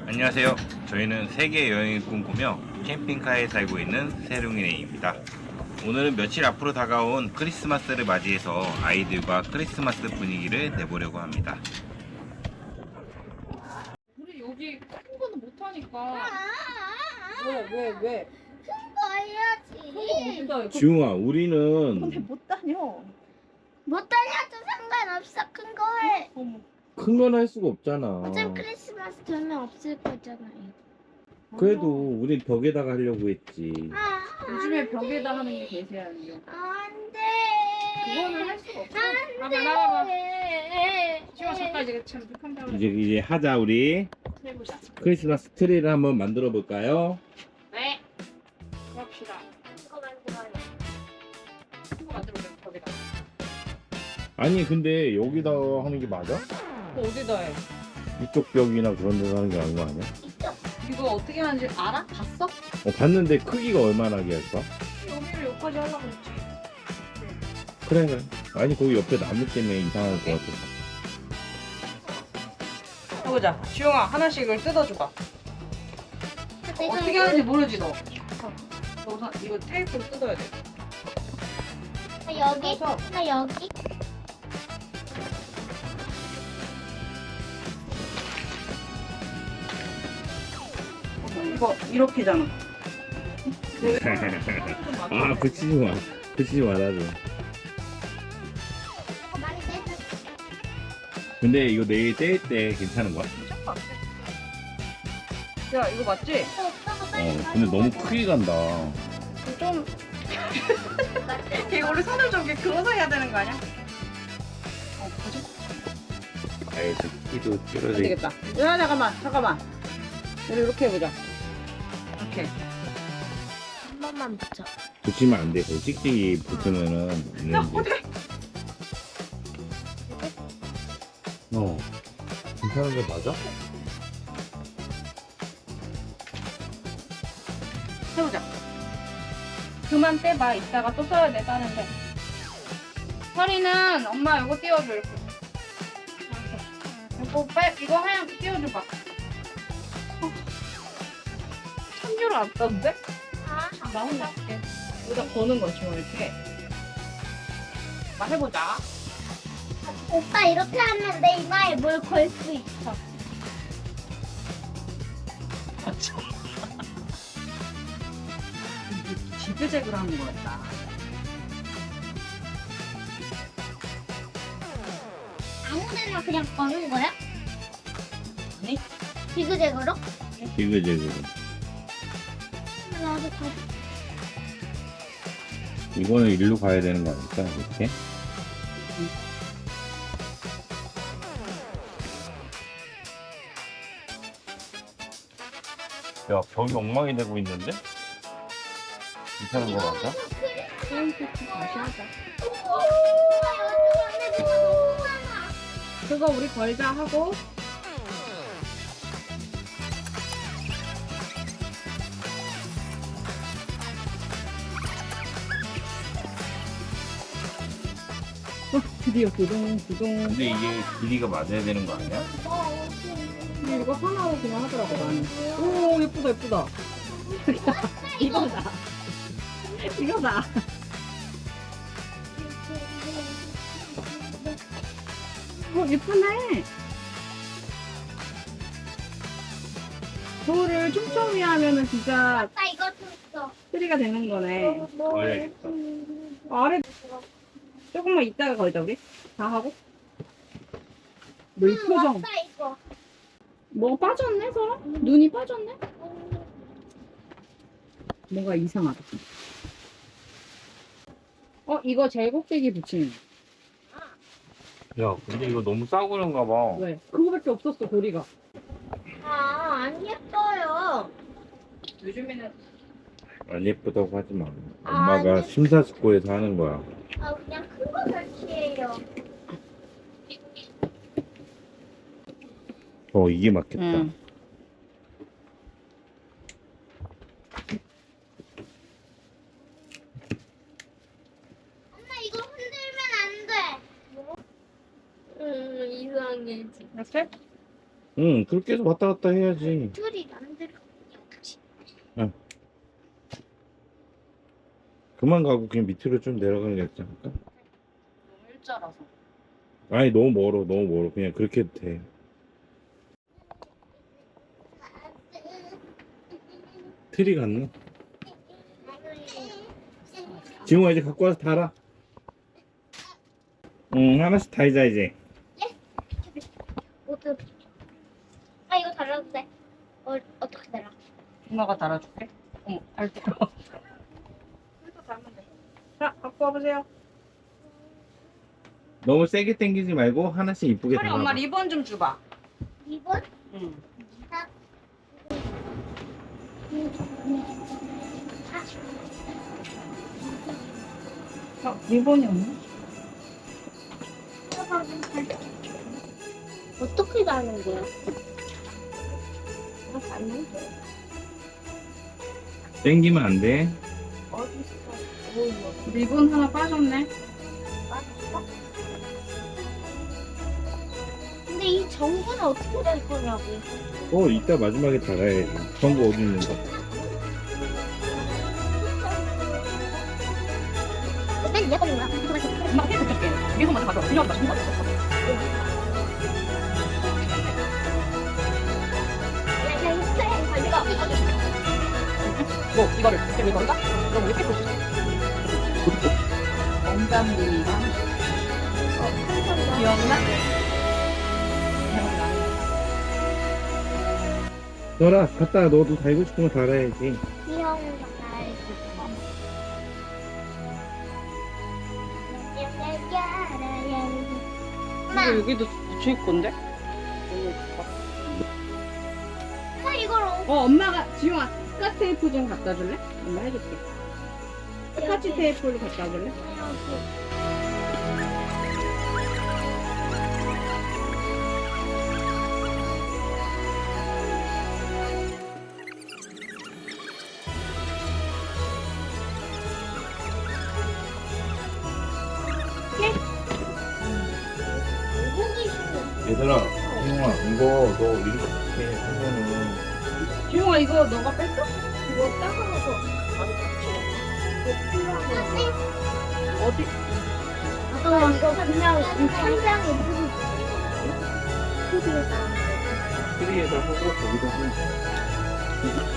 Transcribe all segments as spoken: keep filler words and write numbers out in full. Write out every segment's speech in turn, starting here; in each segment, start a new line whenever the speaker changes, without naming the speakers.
안녕하세요. 저희는 세계 여행을 꿈꾸며 캠핑카에 살고 있는 세룽이네입니다. 오늘은 며칠 앞으로 다가온 크리스마스를 맞이해서 아이들과 크리스마스 분위기를 내보려고 합니다.
우리 여기 큰 거는 못하니까. 왜, 왜, 왜?
거 해야지.
어디다 해?
지웅아, 우리는
근데 못 다녀.
못 다녀도 상관없어. 큰 거 해.
어머.
큰 건 할 수가 없잖아.
어차피 크리스마스 되면 없을 거잖아요.
그래도 우린 벽에다가 하려고 했지.
아,
요즘에 벽에다 하는 게 대세야.
안 돼.
그거는 할 수가 없어.
안
나봐,
돼.
나봐봐. 지금 잠깐 이제 참 깜짝
이제 이제 하자. 우리
해보자.
크리스마스 트리를 한번 만들어 볼까요?
네. 그럽시다.
이거 만들어요.
이거 만들어보자, 벽에다.
아니 근데 여기다 하는 게 맞아?
또 어디다 해?
이쪽 벽이나 그런 데서 하는 게 아닌 거 아니야?
이거 어떻게 하는지 알아? 봤어?
어, 봤는데 크기가 얼마나 나게 할까?
여기를 여기까지 하려고 했지.
그래 그래. 아니 거기 옆에 나무 때문에 이상할 것 같아.
해보자. 지용아, 하나씩 이걸 뜯어줘봐.
내가
어떻게
이거-
하는지 모르지, 너? 너 우선 이거 테이프를 뜯어야 돼.
나 여기,
뜯어서.
나 여기.
이거 이렇게잖아.
아 붙이지 마. 붙이지 말아줘.
이거 많이 떼줘.
근데 이거 내일 뗄 때 괜찮은 거야?
야, 이거 맞지?
또 오빠가 빨리
어 근데 너무 크게 간다.
좀. 이거 우리 손을 좀 이렇게 그어서 해야 되는 거 아니야? 어, 뭐지?
아예 저 키도
안
줄어들.
되겠다. 야, 잠깐만, 잠깐만. 우리 이렇게 해보자. 이렇게.
한 번만 붙여.
붙이면 안 돼. 그 찍찍이 붙으면은
야,
있는데.
어떻게?
어. 괜찮은 게 맞아?
해보자. 그만 떼봐. 이따가 또 써야 돼, 다른데. 허리는 엄마 이거 띄워줘, 이렇게. 이렇게. 이거 빨, 이거 하얀 거 띄워줘봐. 어. 참교를 안 떴는데?
아,
나 혼자 할게. 여기다 거는 거지, 뭐, 이렇게. 막 해보자.
오빠 이렇게 하면 내 이마에 뭘 걸 수 있어.
지그재그로 하는 거였다.
아무데나 그냥 거는 거야?
아니?
비그재그로?
지그재그.
나도 가.
이거는 일로 가야 되는 거 아닐까? 이렇게? 야, 벽이 엉망이 되고 있는데? 괜찮은 거 맞아?
다시 하자.
우와, 요즘 안에 뭐가 너무 많아.
그거 우리 걸자 하고. 어, 드디어 두둥 두둥.
근데 이게 길이가 맞아야 되는 거 아니야?
근데 이거 하나로 그냥 하더라고 나는. 오, 예쁘다 예쁘다. 이거다. 이거다. 어, 예쁘네. 저를 촘촘히 하면은 진짜
나 이거 줬어.
트리가 되는 거네.
걸려야겠다.
아래 조금만 이따가 걸자 우리. 다 하고. 너 이
응,
표정.
왔다 이거.
뭐가 빠졌네 서로? 눈이 빠졌네? 뭔가 이상하다. 어, 이거 제일 꼭대기 붙이는 거.
야, 근데 이거 너무 싸구려인가 봐.
왜? 그거밖에 없었어, 고리가.
아, 안 예뻐요.
요즘에는
안 예쁘다고 하지 마. 엄마가
아니.
심사숙고해서 하는 거야.
아, 그냥 큰 거 설치해요.
어, 이게 맞겠다.
응.
엄마 이거 흔들면 안 돼. 음, 이상해.
이렇게?
응, 그렇게 해서 왔다 갔다 해야지.
둘이 안 들어.
그만 가고 그냥 밑으로 좀 내려가는 게 낫지 않을까?
너무 일자라서.
아니, 너무 멀어, 너무 멀어. 그냥 그렇게 해도 돼. 트리 갔나? 지웅아, 이제 갖고 와서 달아. 응, 하나씩 달자, 이제.
모두. 아 이거 달라도 돼. 어 어떻게 달아?
엄마가 달아줄게. 어머, 달 들어. 그래서 달면 돼. 자, 갖고 와보세요.
너무 세게 당기지 말고 하나씩 이쁘게
빨리
달아.
엄마 리본 좀 줘봐.
이번?
응. 어, 리본이 없네?
어떻게 다는 거야?
이거 달면 돼.
당기면 안 돼.
어딨어?
리본 하나 빠졌네.
근데 이 전구는 어떻게 될 거냐고.
어, 이따 마지막에 달아야지. 전구 어디 있는가?
맨 위에 거는 거야?
엄마 테이프 줄게. 리본 먼저 가져와. 그냥 맞춘 거 같아. 뭐, 이거를 지금 이건가? 그럼 우리 테이프 줄게. 원장님이랑 기억나? 기억나.
너라, 갖다 너도 달고 싶은 거 달아야지.
귀여운 거 알고. 엄마,
이거 여기도 붙일 건데?
엄마 이걸 어-
어, 엄마가, 지용아, 스카치 테이프 좀 갖다 줄래? 엄마 해줄게. 스카치 테이프를 갖다 줄래?
보기 싫어.
얘들아, 지웅아, 이거 너 이렇게 하면은
지용아, 이거 너가 뺐어? 이거 따가워서. 어디?
어, 이거 그냥 이 천장에 뿌리지. TV에다.
트리에다 하고 거기다 하면 돼.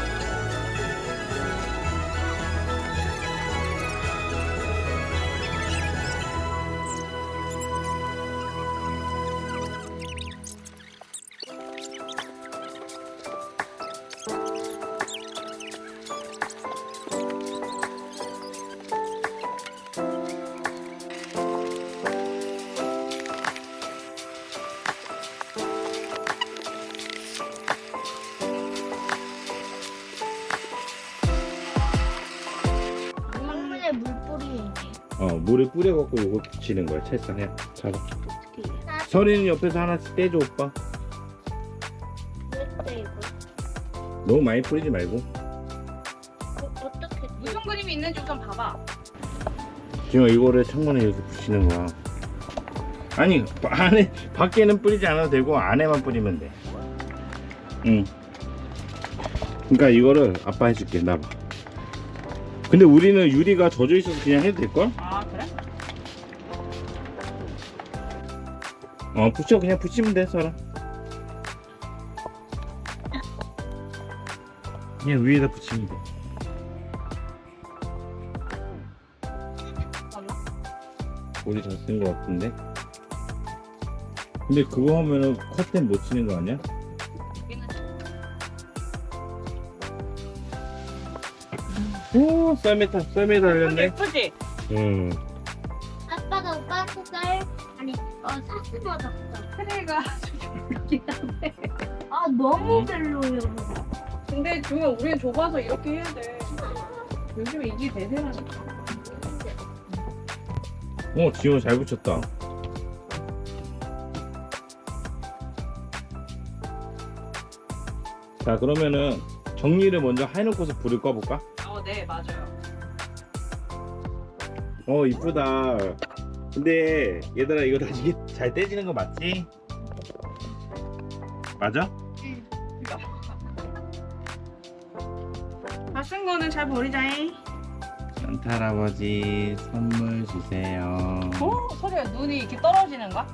창문에 물 뿌리는지.
어, 물을 뿌려갖고 이거 붙이는 거야, 채쌍해. 잘. 서리는 옆에서 하나씩 떼줘, 오빠.
왜 이거?
너무 많이 뿌리지 말고.
어, 어떻게?
무슨 그림이 있는지 우선 봐봐.
지금 이거를 창문에 이렇게 붙이는 거야. 아니, 안에, 밖에는 뿌리지 않아도 되고, 안에만 뿌리면 돼. 응. 그러니까 이거를 아빠 해줄게, 나봐. 근데 우리는 유리가 젖어 있어서 그냥 해도 될걸?
아, 그래?
어, 붙여, 그냥 붙이면 돼, 서라. 그냥 위에다 붙이면 돼. 우리 잘 쓰는 것 같은데? 근데 그거 하면은 커튼 못 치는 거 아니야? 오, 썰매 타, 썰매 달렸네.
예쁘지?
응.
아빠가 오빠한테 쌀 아니 어 사슴 얻었어.
트레이가 이렇게 한데.
아 너무
음.
별로요.
근데 지금 우리는 좁아서 이렇게 해야 돼. 요즘에 이게 대세라니까.
어, 지호 잘 붙였다. 자, 그러면은 정리를 먼저 해놓고서 불을 꺼볼까?
어, 네, 맞아요.
어, 이쁘다. 근데 얘들아, 이거 나중에 잘 떼지는 거 맞지? 맞아?
응.
다 쓴 거는 잘 버리자잉.
산타 할아버지 선물 주세요.
어? 소리야, 눈이 이렇게 떨어지는 거야?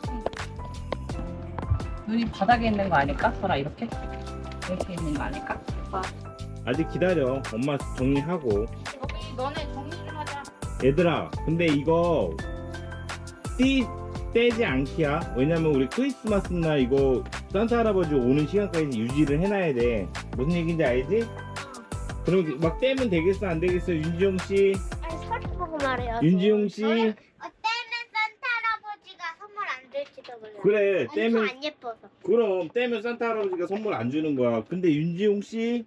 눈이 바닥에 있는 거 아닐까? 소라, 이렇게? 이렇게 있는 거 아닐까?
아직 기다려. 엄마 정리하고.
여기 너네 정리 좀 하자.
얘들아, 근데 이거 띠 떼지 않기야. 왜냐면 우리 크리스마스 날 이거 산타 할아버지 오는 시간까지 유지를 해놔야 돼. 무슨 얘기인지 알지? 그럼 막 떼면 되겠어, 안 되겠어, 윤지용 씨?
아니 서리 보고 말해요.
윤지용 씨?
어, 떼면 산타 할아버지가 선물 안 줄지도 몰라.
그래,
엄청
떼면
안 예뻐서.
그럼 떼면 산타 할아버지가 선물 안 주는 거야. 근데 윤지용 씨?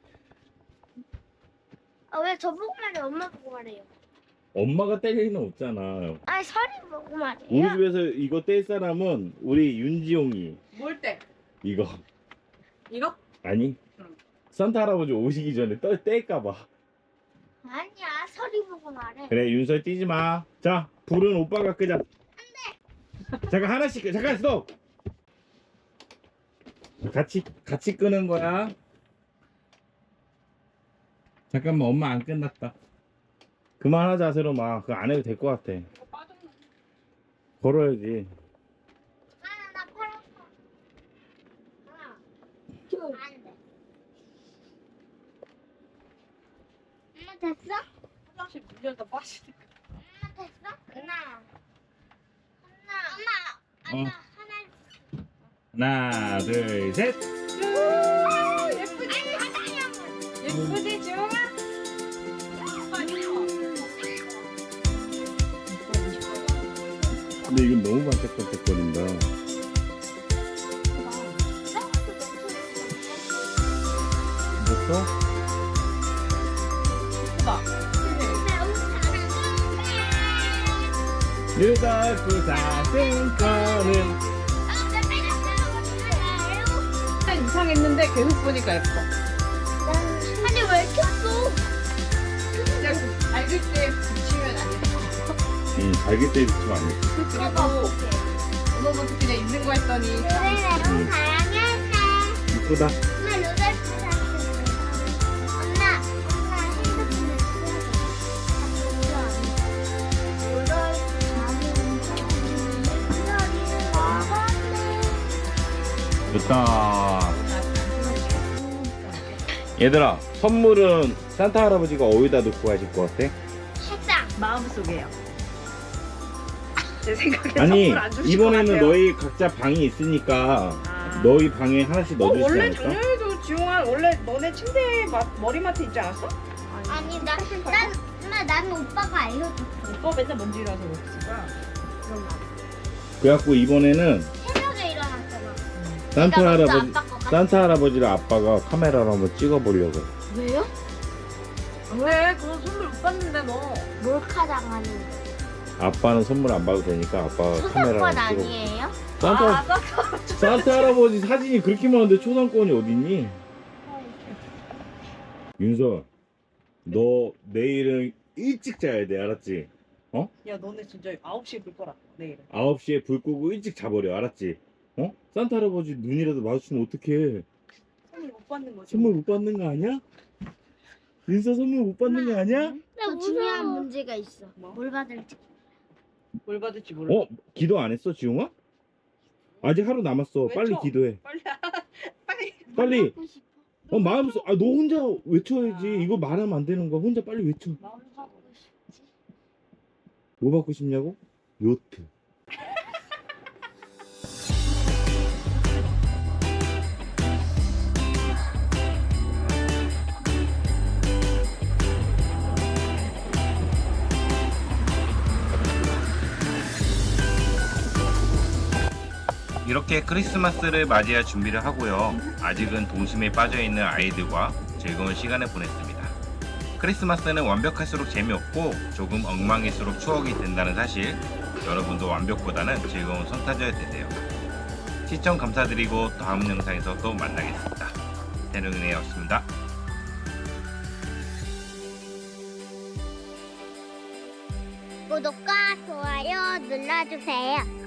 아, 왜 저보고 말해? 엄마 보고 말해요.
엄마가 뗄 리는 없잖아.
아니 서리 보고 말해요.
우리 집에서 이거 뗄 사람은 우리 윤지용이.
뭘 때?
이거
이거?
아니?
응.
산타 할아버지 오시기 전에 떠, 뗄까봐.
아니야 서리 보고 말해.
그래, 윤설 뛰지 마. 자, 불은 오빠가 끄자. 안돼. 잠깐 하나씩 끄. 잠깐 스톱. 같이 같이 끄는 거야. 잠깐만, 엄마 안 끝났다. 그만하자, 세롬아. 그거 안 해도 될 것 같아.
이거 빠졌나?
걸어야지.
하나 나 팔았어. 하나. 둘. 안 돼. 엄마 됐어?
화장실 물려서 빠지니까.
엄마 됐어? 하나. 하나. 엄마.
어.
엄마 하나.
하나, 둘, 셋.
예쁘지?
아니 하나야.
예쁘지, 지용아?
근데 이건 너무 반짝반짝거린다. 됐어?
예쁘다.
루돌프 사슴거는
이상했는데 계속 보니까 예뻐.
아니 왜 켰어?
그냥 밝을 때 붙이면 안 예뻐.
응, 잘게 때 붙이면 안 돼.
그리고 오늘부터 그냥 있는 거 했더니
그래 너무 다양했네.
이쁘다.
엄마 루돌프 사슴. 엄마 엄마 핸드폰을 켜야 루돌프 사슴.
좋다. 얘들아, 선물은 산타 할아버지가 어디다 놓고 가실 것 같아?
책상.
마음속에요. 제 생각에
아니,
선물 안 주실 것
이번에는
같아요.
너희 각자 방이 있으니까
아.
너희 방에 하나씩
어,
넣어주지
원래
않을까?
작년에도 지용아 원래 너네 침대 마, 머리맡에 있지 않았어?
아니 나, 난, 엄마 난 오빠가 알려줬어.
오빠 맨날 먼지라서 그렇지가.
그런 말.
그래갖고 이번에는
새벽에 일어났잖아.
산타
내가 먼저
할아버지,
아빠 거 같아.
산타 할아버지를 아빠가 카메라로 한번 찍어보려고.
왜요?
왜? 그런 선물 못 받는데 너.
몰카 당하는
아빠는 선물 안 봐도 되니까 아빠가 카메라로
초상권
찍어.
아니에요?
산타,
아, 나
산타 할아버지 사진이 그렇게 많은데 초상권이 어딨니? 윤서, 너 내일은 일찍 자야 돼, 알았지?
야 너네 진짜 아홉 시에 불 거라 내일은.
아홉 시에 불 끄고 일찍 자버려, 알았지? 어? 산타 할아버지 눈이라도 마주치면 어떡해.
선물 못 받는 거지.
선물 못 받는 거 아니야? 윤서 선물 못 받는 거 아니야?
또 중요한 문제가 있어.
뭐?
뭘 받을지.
뭘 받을지 몰라.
어? 기도 안 했어, 지용아? 아직 하루 남았어.
외쳐.
빨리 기도해.
빨리 빨리.
빨리.
하고 싶어.
어, 마음속, 아, 너 혼자 외쳐야지.
아.
이거 말하면 안 되는 거야. 혼자 빨리 외쳐.
뭐 하고 싶지?
뭐 받고 싶냐고? 요트. 이렇게 크리스마스를 맞이할 준비를 하고요. 아직은 동심에 빠져있는 아이들과 즐거운 시간을 보냈습니다. 크리스마스는 완벽할수록 재미없고 조금 엉망일수록 추억이 된다는 사실, 여러분도 완벽보다는 즐거운 선타져야 되세요. 시청 감사드리고 다음 영상에서 또 만나겠습니다. 새롱이네였습니다.
구독과 좋아요 눌러주세요.